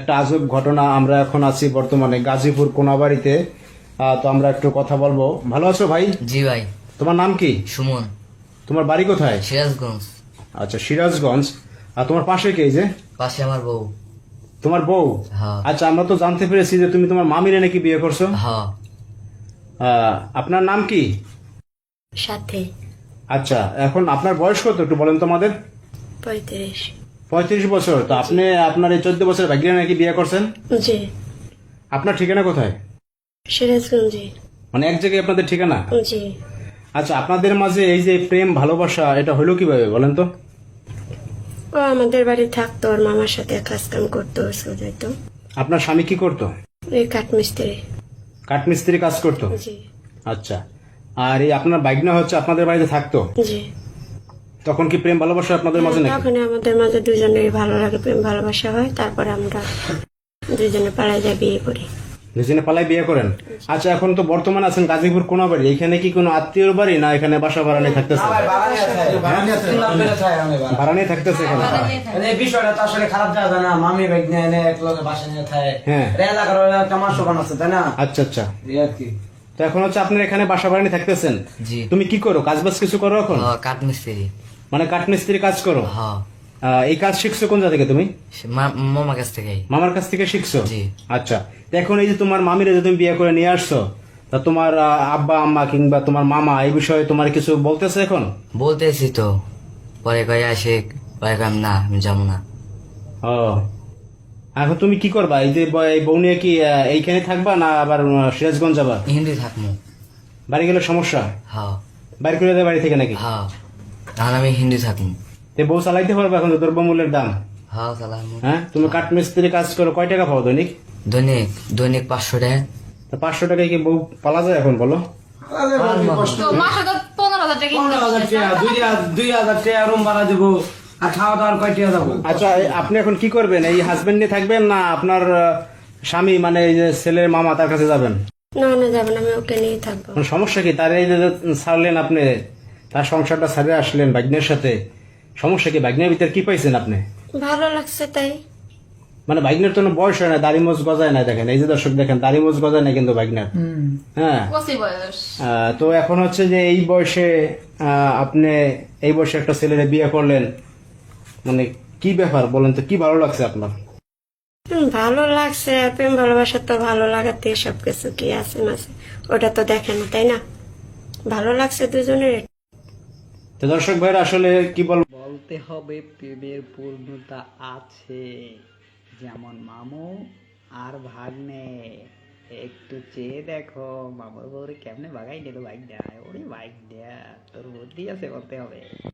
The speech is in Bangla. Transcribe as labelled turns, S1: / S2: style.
S1: একটা আজব ঘটনা। আমরা এখন আছি বর্তমানে গাজীপুর কোনাবাড়িতে। তো আমরা একটু কথা বলবো। ভালো আছো ভাই?
S2: জি ভাই।
S1: তোমার নাম কি?
S2: সুমন।
S1: তোমার বাড়ি কোথায়?
S2: সিরাজগঞ্জ।
S1: আচ্ছা, সিরাজগঞ্জ। আর তোমার পাশে কে? এই যে
S2: পাশে আমার বউ।
S1: তোমার বউ?
S2: হ্যাঁ।
S1: আচ্ছা, আমরা তো জানতে পেরেছি যে তুমি তোমার মামিরে নাকি বিয়ে করছো।
S2: হ্যাঁ।
S1: আপনার নাম কি?
S3: সাথে
S1: আচ্ছা, এখন আপনার বয়স কত একটু বলেন তো আমাদের?
S3: 35।
S1: 35 বছর। তো আপনি আপনার এই 14 বছর ভাগ্যিরা নাকি বিয়ে করছেন।
S3: জি।
S1: আপনার ঠিকানা কোথায়?
S3: সিরাজগঞ্জে।
S1: মানে এক জায়গায় আপনাদের ঠিকানা?
S3: জি।
S1: আচ্ছা, আপনাদের মাঝে এই যে প্রেম ভালোবাসা এটা হলো কিভাবে বলেন তো?
S3: ও আমাদের বাড়ি থাকতো, ওর মামার সাথে কাজ কাম করতো, স্কুল যাইতো।
S1: আপনার স্বামী কি করতো?
S3: এই কাঠমিস্ত্রি।
S1: কাঠমিস্ত্রি কাজ করতো।
S3: জি।
S1: আচ্ছা, আর এই আপনার বাইকনা হচ্ছে আপনাদের বাড়িতে থাকতো,
S3: জি।
S1: তখন কি প্রেম ভালোবাসা আপনাদের মাঝে নাকি?
S3: তখন আমাদের মাঝে দুজনের ভালো লাগে, প্রেম ভালোবাসা হয়, তারপরে আমরা দুজনে পাড়ায় যাই বিয়ে করি।
S1: দুজনে পালায় বিয়ে করেন। আচ্ছা, এখন তো বর্তমানে আছেন গাজীপুর কোনাবাড়ি। এখানে কি কোনো আত্মীয়র বাড়ি না এখানে বাসা ভাড়া নিয়ে থাকতেছে? ভাড়া নিয়ে থাকতেছে এখানে।
S4: বিষয়টা তো আসলে খারাপ যাওয়া না, মামি বাইক নিয়ে এনে এক লোকে বাসা নিয়ে থাকে।
S1: হ্যাঁ।
S4: এলাকার আমার শোকান আছে, তাই না?
S1: আচ্ছা আচ্ছা,
S4: এই আর কি।
S1: তো এখন হচ্ছে আপনার এখানে বাসা ভাড়া নিয়ে থাকতেছেন।
S2: জি।
S1: তুমি কি করো, কাজ বাজ কিছু করো এখন?
S2: কাঠমিস্ত্রি।
S1: মানে কাঠমিস্ত্রি কাজ করো?
S2: হ্যাঁ।
S1: এই কাজ শিখছো কোন জায়গা থেকে তুমি?
S2: মামার কাছ থেকে।
S1: মামার কাছ থেকে শিখছো?
S2: জি।
S1: আচ্ছা, তো এখন এই যে তোমার মামিরা যে তুমি বিয়ে করে নিয়ে আসছো, তা তোমার আব্বা আম্মা কিংবা তোমার মামা এই বিষয়ে তোমার কিছু বলতেছে এখন?
S2: বলতেছি তো, পরে কয়ে আসে, পরে কয় না আমি যাবো না।
S1: ও, এখন তুমি কি করবা? এই যে এই বউ নিয়ে কি এইখানে থাকবা না আবার সিরাজগঞ্জ যাবা?
S2: হিন্দি থাকবো।
S1: বাড়ি গেলে সমস্যা?
S2: হ্যাঁ।
S1: বাড়ি করে দেয় বাড়ি থেকে নাকি?
S2: হ্যাঁ, তাহলে আমি হিন্দি থাকবো।
S1: তে বউ চালাইতে পারবে এখন তো দ্রব্যমূল্যের দাম?
S2: হ্যাঁ সালাম।
S1: হ্যাঁ, তুমি কাঠমিস্ত্রি কাজ করো, কয় টাকা পাও দৈনিক?
S2: দৈনিক দৈনিক 500 টাকা।
S1: তা 500 টাকায় কি বউ পালা যায় এখন বলো?
S5: তো মাসে তো 15,000 টাকা income
S4: 15,000
S5: করতেছে।
S4: টাকা, 2,000 টাকা রুম ভাড়া দেবো, আর খাওয়া দাওয়ার কয় টাকা যাবো?
S1: আচ্ছা, আপনি এখন কি করবেন? এই হাজবেন্ড নিয়ে থাকবেন না আপনার স্বামী মানে এই যে ছেলের মামা তার কাছে যাবেন?
S3: না না, যাবো না, আমি ওকে নিয়ে থাকবো।
S1: মানে সমস্যা কি? তার এই যে ছাড়লেন আপনি, তার সংসারটা ছাড়ে আসলেন ভাগ্নের সাথে, সমস্যা কি? ভাগ্নের ভিতরে কি পাইছেন আপনি?
S3: ভালো লাগছে তাই।
S1: মানে ভাগ্নের তো কোনো বয়স হয় না, দাড়ি মোজ গজায় না। দেখেন এই যে দর্শক, দেখেন দাড়ি মোজ গজায় না কিন্তু ভাগ্নের। হ্যাঁ।
S5: কচি বয়স।
S1: তো এখন হচ্ছে যে এই বয়সে আপনি এই বয়সে একটা ছেলের বিয়ে করলেন, মানে কি ব্যাপার বলেন তো? কি ভালো লাগছে আপনার?
S3: ভালো লাগছে, আর প্রেম ভালোবাসা তো ভালো লাগাতে সবকিছু কি আছে মাঝে, ওটা তো দেখে না, তাই না? ভালো লাগছে দুজনের।
S1: তো দর্শক ভাইরা আসলে কি বলবো,
S6: বলতে হবে প্রেমের পূর্ণতা আছে, যেমন মামু আর ভাগ্নে। একটু চেয়ে দেখো মামুর বউরে কেমনে বাগাই নিল বাইক দেয়। ওরে বাইক দেয়া তোর বুদ্ধি আছে বলতে হবে।